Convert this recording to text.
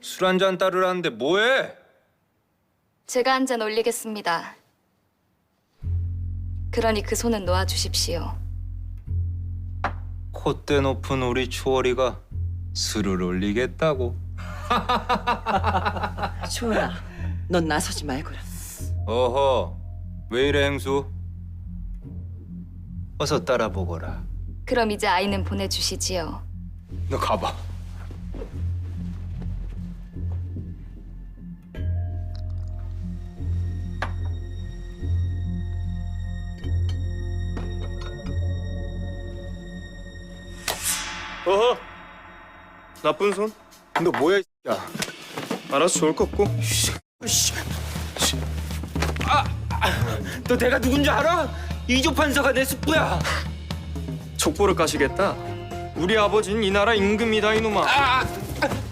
술 한 잔 따르라는데 뭐해? 제가 한 잔 올리겠습니다. 그러니 그 손은 놓아주십시오. 콧대 높은 우리 추월이가 술을 올리겠다고? 주원아, 넌 나서지 말거라. 어허, 왜 이래 행수? 어서 따라보거라. 그럼 이제 아이는 보내주시지요. 너 가봐. 어허, 나쁜 손? 너 뭐야, 이 야? 알아서 좋을 것 없고. 너 내가 누군지 알아? 이조 판사가 내 숙부야. 족보를 까시겠다. 우리 아버지는 이 나라 임금이다 이놈아.